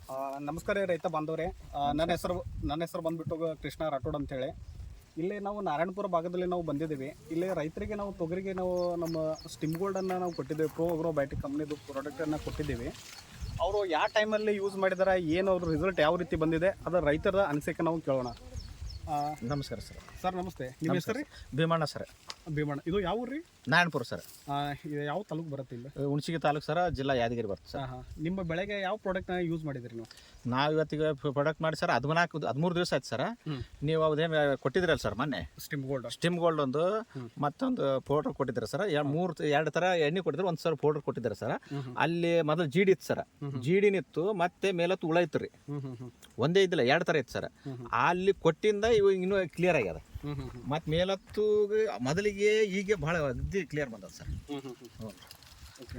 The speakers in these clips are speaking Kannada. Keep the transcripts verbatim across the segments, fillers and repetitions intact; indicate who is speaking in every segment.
Speaker 1: ಆ, ನಮಸ್ಕಾರ ರೀ ರೈತ ಬಾಂಧವರೇ. ಆ, ನನ್ನ ಹೆಸರು ನನ್ನ ಹೆಸರು ಬಂದ್ಬಿಟ್ಟು ಕೃಷ್ಣ ರಾಠೋಡ್ ಅಂತೇಳಿ. ಇಲ್ಲಿ ನಾವು ನಾರಾಯಣಪುರ ಭಾಗದಲ್ಲಿ ನಾವು ಬಂದಿದ್ದೀವಿ. ಇಲ್ಲಿ ರೈತರಿಗೆ ನಾವು ತೊಗರಿಗೆ ನಾವು ನಮ್ಮ ಸ್ಟಿಮ್ ಗೋಲ್ಡನ್ನು ನಾವು ಕೊಟ್ಟಿದ್ದೇವೆ. ಪ್ರೋ ಅಗ್ರೋ ಬಯೋಟಿಕ್ ಕಂಪ್ನಿದು ಪ್ರಾಡಕ್ಟನ್ನು ಕೊಟ್ಟಿದ್ದೀವಿ. ಅವರು ಯಾವ ಟೈಮಲ್ಲಿ ಯೂಸ್ ಮಾಡಿದಾರೆ, ಏನು ಅವ್ರ ರಿಸಲ್ಟ್ ಯಾವ ರೀತಿ ಬಂದಿದೆ, ಅದರ ರೈತರ ಅನಿಸಿಕೆ ನಾವು ಕೇಳೋಣ. ಆ,
Speaker 2: ನಮಸ್ಕಾರ ಸರ್.
Speaker 1: ಸರ್ ನಮಸ್ತೆ. ನಿಮ್ಮ ಹೆಸರು ರೀ?
Speaker 2: ಭೀಮಣ್ಣ ಸರ್.
Speaker 1: ಭೀಮಣ್ಣ. ಇದು ಯಾವ ಊರು ರೀ?
Speaker 2: ನಾರಾಯಣಪುರ ಸರ್.
Speaker 1: ಆ, ಇದು ಯಾವ ತಾಲೂಕು ಬರುತ್ತೆ? ಇಲ್ಲ
Speaker 2: ಹುಣಸಿಗೆ ತಾಲೂಕು ಸರ, ಜಿಲ್ಲಾ ಯಾದಗಿರಿ ಬರುತ್ತೆ ಸರ್.
Speaker 1: ಹಾಂ ಹಾಂ. ನಿಮ್ಮ ಬೆಳೆಗೆ ಯಾವ ಪ್ರಾಡಕ್ಟ್ನ ಯೂಸ್ ಮಾಡಿದ್ರಿ ನೀವು?
Speaker 2: ನಾವು ಇವತ್ತಿಗೆ ಪ್ರಾಡಕ್ಟ್ ಮಾಡಿ ಸರ್ ಹದಿನಾಲ್ಕು ಹದಿಮೂರು ದಿವಸ ಆಯ್ತು ಸರ್. ನೀವು ಅದೇನು ಕೊಟ್ಟಿದ್ರಲ್ಲ ಸರ್ ಮೊನ್ನೆ,
Speaker 1: ಸ್ಟಿಮ್ ಗೋಲ್ಡ್
Speaker 2: ಸ್ಟಿಮ್ ಗೋಲ್ಡ್ ಒಂದು ಮತ್ತೊಂದು ಪೌಡರ್ ಕೊಟ್ಟಿದ್ದಾರೆ ಸರ್. ಮೂರು ಎರಡು ಥರ ಎಣ್ಣೆ ಕೊಟ್ಟಿದ್ರು, ಒಂದು ಸರ್ ಪೌಡರ್ ಕೊಟ್ಟಿದ್ದಾರೆ ಸರ್. ಅಲ್ಲಿ ಮೊದಲು ಜೀಡಿ ಇತ್ತು ಸರ್, ಜೀಡಿನಿತ್ತು, ಮತ್ತೆ ಮೇಲತ್ತು ಹುಳ ಇತ್ತು ರೀ. ಒಂದೇ ಇದ್ದಿಲ್ಲ, ಎರಡು ಥರ ಇತ್ತು ಸರ್. ಅಲ್ಲಿ ಕೊಟ್ಟಿಂದ ಇವಾಗ ಇನ್ನೂ ಕ್ಲಿಯರ್ ಆಗ್ಯದ. ಮತ್ತು ಮೇಲತ್ತು ಮೊದಲಿಗೆ ಈಗ ಭಾಳ ಅಗ್ದಿ ಕ್ಲಿಯರ್ ಬಂದದ ಸರ್.
Speaker 1: ಓಕೆ.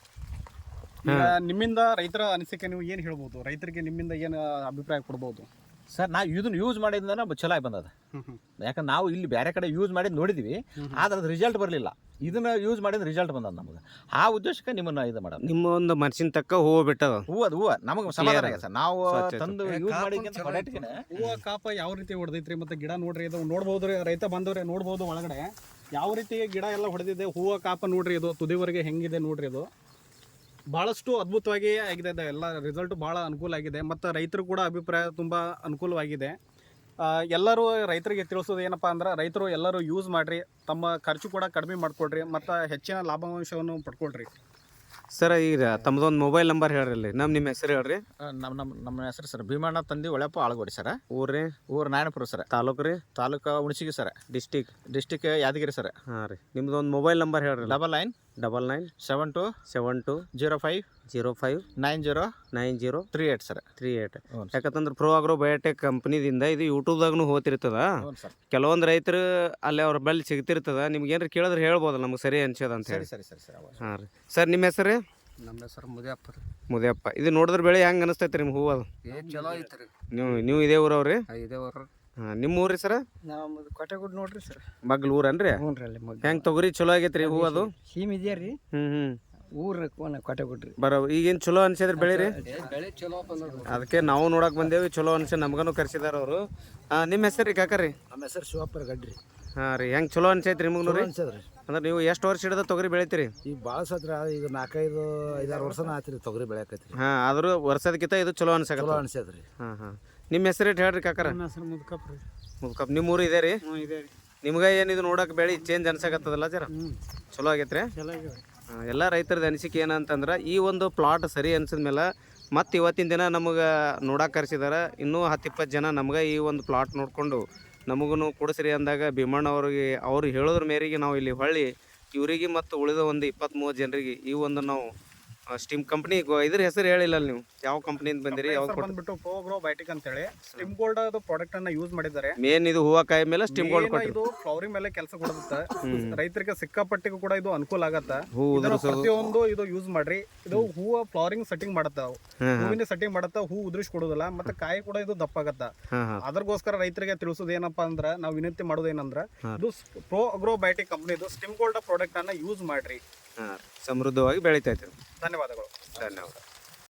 Speaker 1: ಈಗ ನಿಮ್ಮಿಂದ ರೈತರ ಅನಿಸಿಕೆ ನೀವು ಏನು ಹೇಳ್ಬೋದು? ರೈತರಿಗೆ ನಿಮ್ಮಿಂದ ಏನು ಅಭಿಪ್ರಾಯ ಕೊಡ್ಬೋದು
Speaker 2: ಸರ್? ನಾವು ಇದನ್ನು ಯೂಸ್ ಮಾಡಿದ್ನ ಚಲೋ ಆಗಿ ಬಂದದ. ಯಾಕಂದ್ರೆ ನಾವು ಇಲ್ಲಿ ಬೇರೆ ಕಡೆ ಯೂಸ್ ಮಾಡಿದ್ ನೋಡಿದ್ವಿ, ಆದ್ರೆ ಅದು ರಿಸಲ್ಟ್ ಬರಲಿಲ್ಲ. ಇದನ್ನ ಯೂಸ್ ಮಾಡಿದ ರಿಸಲ್ಟ್ ಬಂದದ ನಮಗೆ. ಆ ಉದ್ದೇಶಕ್ಕೆ ನಿಮ್ಮನ್ನ ಇದು ಮಾಡೋದು.
Speaker 3: ನಿಮ್ಮ ಒಂದು ಮನಸ್ಸಿನ ತಕ್ಕ ಹೂವು ಬಿಟ್ಟದ.
Speaker 2: ಹೂವು ಅದು ಹೂವು ನಮಗೆ ಸಮಾಧಾನ ಆಗಿದೆ ಸರ್. ನಾವು ತಂದು ಯೂಸ್ ಮಾಡಿ
Speaker 1: ಹೂವು ಕಾಪ ಯಾವ ರೀತಿ ಹೊಡೆದೈತ್ರಿ, ಮತ್ತೆ ಗಿಡ ನೋಡ್ರಿ, ಇದು ನೋಡ್ಬೋದು ರೀ ರೈತ ಬಂದವ್ರೆ, ನೋಡ್ಬೋದು ಒಳಗಡೆ ಯಾವ ರೀತಿ ಗಿಡ ಎಲ್ಲ ಹೊಡೆದಿದೆ. ಹೂವು ಕಾಪ ನೋಡ್ರಿ, ಇದು ತುದಿವರೆಗೆ ಹೆಂಗಿದೆ ನೋಡ್ರಿ. ಇದು ಭಾಳಷ್ಟು ಅದ್ಭುತವಾಗಿ ಆಗಿದೆ. ಇದು ಎಲ್ಲ ರಿಸಲ್ಟು ಭಾಳ ಅನುಕೂಲ ಆಗಿದೆ, ಮತ್ತು ರೈತರು ಕೂಡ ಅಭಿಪ್ರಾಯ ತುಂಬ ಅನುಕೂಲವಾಗಿದೆ. ಎಲ್ಲರೂ ರೈತರಿಗೆ ತಿಳಿಸೋದು ಏನಪ್ಪ ಅಂದ್ರೆ, ರೈತರು ಎಲ್ಲರೂ ಯೂಸ್ ಮಾಡಿರಿ, ತಮ್ಮ ಖರ್ಚು ಕೂಡ ಕಡಿಮೆ ಮಾಡಿಕೊಡ್ರಿ, ಮತ್ತು ಹೆಚ್ಚಿನ ಲಾಭಾಂಶವನ್ನು ಪಡ್ಕೊಳ್ರಿ.
Speaker 3: ಸರ್ ಈಗ ತಮ್ಮದೊಂದು ಮೊಬೈಲ್ ನಂಬರ್ ಹೇಳ್ರಿ. ನಮ್ಮ ನಿಮ್ಮ ಹೆಸರು ಹೇಳ್ರಿ.
Speaker 2: ನಮ್ಮ ನಮ್ಮ ನಮ್ಮ ಹೆಸರು ಸರ್ ಭೀಮಣ್ಣ ತಂದಿ ಒಳೆಪ್ಪ ಆಳಗೋಡಿ ಸರ್.
Speaker 3: ಊರ್ರಿ?
Speaker 2: ಊರು ನಾರಾಯಣಪುರ ಸರ್.
Speaker 3: ತಾಲೂಕು ರೀ?
Speaker 2: Taluk Hunasagi sir.
Speaker 3: District?
Speaker 2: District Yadgir sir.
Speaker 3: ಹಾಂ ರೀ. ನಿಮ್ದೊಂದು ಮೊಬೈಲ್ ನಂಬರ್ ಹೇಳ್ರಿ.
Speaker 2: Double nine
Speaker 3: double nine
Speaker 2: seven two
Speaker 3: seven two
Speaker 2: zero five
Speaker 3: zero five
Speaker 2: nine zero
Speaker 3: nine zero
Speaker 2: three eight sir.
Speaker 3: Three eight ಯಾಕಂತಂದ್ರೆ ಪ್ರೋ ಅಗ್ರೋ ಬಯೋಟೆಕ್ ಕಂಪ್ನಿದಿಂದ ಇದು ಯೂಟ್ಯೂಬ್ದಾಗೂ ಹೋಗ್ತಿರ್ತದ. ಕೆಲವೊಂದು ರೈತರು ಅಲ್ಲಿ ಅವ್ರ ಬಳಿ ಸಿಗ್ತಿರ್ತದ. ನಿಮ್ಗೆ ಏನಾರು ಕೇಳಿದ್ರೆ ಹೇಳ್ಬೋದಲ್ಲ ನಮ್ಗೆ ಸರಿ ಅನ್ಸೋದು ಅಂತ ಹೇಳಿ.
Speaker 2: ಸರಿ ಸರಿ ಸರ್.
Speaker 3: ಹಾಂ ರೀ. ಸರ್ ನಿಮ್ಮ ಹೆಸರು?
Speaker 4: ನಮ್ಮ ಹೆಸರು ಮುದಿಯಪ್ಪ ರೀ.
Speaker 3: ಮುದಿಯಪ್ಪ. ಇದು ನೋಡಿದ್ರೆ ಬೆಳೆ ಹೆಂಗೆ ಅನಿಸ್ತೈತೆ ರೀ ನಿಮ್ಮ ಹೂವು? ಅದು
Speaker 4: ಏನು ಚಲೋ ಐತ್ರಿ.
Speaker 3: ನೀವು ನೀವು ಇದೇ ಊರವ್ರಿ?
Speaker 4: ಇದೇ ಊರು.
Speaker 3: ಹಾಂ. ನಿಮ್ಮ ಊರು ರೀ ಸರ?
Speaker 4: ನಮ್ಮದು ಕೋಟೆಗುಡ್ ನೋಡ್ರಿ ಸರ್.
Speaker 3: ಮಗ್ಲು ಊರನ್ರಿ?
Speaker 4: ಹ್ಞೂ ರೀ. ಅಲ್ಲಿ ಮಗ್ಲು
Speaker 3: ಹೆಂಗೆ ತೊಗರಿ ಚಲೋ ಆಗೈತೆ ರೀ ಹೂವು? ಅದು
Speaker 4: ಸೀಮ್ ಇದೆಯಾ ರೀ?
Speaker 3: ಹ್ಞೂ ಹ್ಞೂ.
Speaker 4: ಊರು ಕೋಟೆಗುಡ್ ರೀ.
Speaker 3: ಬರೋ ಈಗೇನು ಚಲೋ ಅನ್ಸಿದ್ರಿ ಬೆಳೆ ರೀ?
Speaker 4: ಬೆಳೆ ಚಲೋ ಬಂದ.
Speaker 3: ಅದಕ್ಕೆ ನಾವು ನೋಡಕ್ಕೆ ಬಂದೇವಿ. ಚಲೋ ಅನ್ಸಿ ನಮ್ಗೂ ಕರ್ಸಿದಾರ ಅವರು. ನಿಮ್ಮ ಹೆಸರು ರೀ ಕಾಕ ರೀ?
Speaker 4: ನಮ್ಮ ಹೆಸರು ಶಿವಪ್ಪರ ಗಡ್ರಿ.
Speaker 3: ಹಾಂ ರೀ. ಹೆಂಗೆ ಚಲೋ ಅನ್ಸೈತೆ ರೀ ನಿಮಗೂ ರೀ?
Speaker 4: ಅನ್ಸದ್ರಿ.
Speaker 3: ಅಂದ್ರೆ ನೀವು ಎಷ್ಟು ವರ್ಷ ಹಿಡಿದ ತೊಗರಿ ಬೆಳಿತೀರಿ?
Speaker 4: ಈಗ ಭಾಳ ಸತ್ರ ಈಗ ನಾಲ್ಕೈದು ಐದಾರು ವರ್ಷನ ಆಯ್ತು ರೀ ತೊಗರಿ ಬೆಳೆಯಕೈತ್ರಿ.
Speaker 3: ಹಾಂ. ಆದರೂ ವರ್ಷದಕ್ಕಿಂತ ಇದು ಚಲೋ ಅನ್ಸಕ
Speaker 4: ಚಲೋ ಅನ್ಸದ್ರಿ.
Speaker 3: ಹಾಂ ಹಾಂ. ನಿಮ್ಮ ಹೆಸರು ಇಟ್ಟು ಹೇಳ್ರಿ ಕಾಕರ?
Speaker 1: ನನ್ನ ಹೆಸರು ಮುದ್ಕಪ್ಪ ರೀ.
Speaker 3: ಮುದ್ಕಪ್ಪ. ನಿಮ್ಮ ಊರು ಇದೆ ರೀ?
Speaker 1: ಹ್ಞೂ ಇದೆ ರೀ.
Speaker 3: ನಿಮ್ಗೆ ಏನಿದು ನೋಡಕ್ಕೆ ಬೆಳೆ ಚೇಂಜ್ ಅನ್ಸಕತ್ತದಲ್ಲ ಜರ?
Speaker 1: ಹ್ಞೂ
Speaker 3: ಚಲೋ ಆಗೈತೆ ರೀ?
Speaker 1: ಚಲೋ ಆಗಿದೆ.
Speaker 3: ಹಾಂ. ಎಲ್ಲ ರೈತರದ ಅನಿಸಿಕೆ ಏನಂತಂದ್ರೆ, ಈ ಒಂದು ಪ್ಲಾಟ್ ಸರಿ ಅನ್ಸಿದ್ಮೇಲೆ ಮತ್ತು ಇವತ್ತಿನ ದಿನ ನಮಗೆ ನೋಡಕ್ಕೆ ಕರೆಸಿದಾರೆ. ಇನ್ನೂ ಹತ್ತು ಇಪ್ಪತ್ತು ಜನ ನಮ್ಗೆ ಈ ಒಂದು ಪ್ಲಾಟ್ ನೋಡಿಕೊಂಡು ನಮಗೂ ಕೊಡಿಸ್ರಿ ಅಂದಾಗ ಭೀಮಣ್ಣ ಅವ್ರಿಗೆ ಅವ್ರು ಹೇಳೋದ್ರ ಮೇರೆಗೆ ನಾವು ಇಲ್ಲಿ ಹೊಳ್ಳಿ ಇವರಿಗೆ ಮತ್ತು ಉಳಿದ ಒಂದು ಇಪ್ಪತ್ತ್ ಮೂವತ್ತು ಜನರಿಗೆ ಈ ಒಂದು ನಾವು ಸ್ಟಿಮ್ ಕಂಪ್ನಿ ಇದ್ರ ಹೆಸರು ಹೇಳಿಲ್ಲ ನೀವು ಯಾವ ಕಂಪ್ನಿಯಿಂದ ಬಂದಿರಿ? ಯಾವ್ದು
Speaker 1: ಬಂದ್ಬಿಟ್ಟು ಪ್ರೋ ಅಗ್ರೋ ಬಯೋಟಿಕ್ ಅಂತೇಳಿ ಸ್ಟಿಮ್ ಗೋಲ್ಡ್ ಅದು ಪ್ರಾಡಕ್ಟ್ ಅನ್ನ ಯೂಸ್ ಮಾಡಿದ್ದಾರೆ.
Speaker 3: ಮೇನ್ ಇದು ಹೂವ ಕಾಯಿ ಮೇಲೆ ಸ್ಟಿಮ್ ಗೋಲ್ಡ್ ಕೊಟ್ಟು
Speaker 1: ಇದು ಫ್ಲವರಿಂಗ್ ಮೇಲೆ ಕೆಲಸ ಕೊಡುತ್ತೆ. ರೈತರಿಗೆ ಸಿಕ್ಕಾಪಟ್ಟಿಗೂ ಕೂಡ ಇದು ಅನುಕೂಲ ಆಗತ್ತ.
Speaker 3: ಹೂ
Speaker 1: ಪ್ರತಿಯೊಂದು ಇದು ಯೂಸ್ ಮಾಡ್ರಿ. ಇದು ಹೂವ ಫ್ಲವರಿಂಗ್ ಸೆಟ್ಟಿಂಗ್ ಮಾಡತ್ತ, ಹೂವಿನ ಸೆಟ್ಟಿಂಗ್ ಮಾಡತ್ತ, ಹೂ ಉದುರಿಸಿ ಕೊಡೋದಿಲ್ಲ, ಮತ್ತೆ ಕಾಯಿ ಕೂಡ ಇದು ದಪ್ಪ ಆಗತ್ತ. ಅದ್ರಗೋಸ್ಕರ ರೈತರಿಗೆ ತಿಳಿಸೋದು ಏನಪ್ಪಾ ಅಂದ್ರ, ನಾವು ವಿನಂತಿ ಮಾಡೋದು ಏನಂದ್ರ, ಇದು ಪ್ರೋ ಅಗ್ರೋ ಬಯೋಟಿಕ್ ಕಂಪ್ನಿ ಇದು ಸ್ಟಿಮ್ ಗೋಲ್ಡ್ ಪ್ರಾಡಕ್ಟ್ ಅನ್ನ ಯೂಸ್ ಮಾಡ್ರಿ.
Speaker 3: ಸಮೃದ್ಧವಾಗಿ ಬೆಳಿತೈತೆ.
Speaker 1: ಧನ್ಯವಾದಗಳು.
Speaker 3: ಧನ್ಯವಾದ.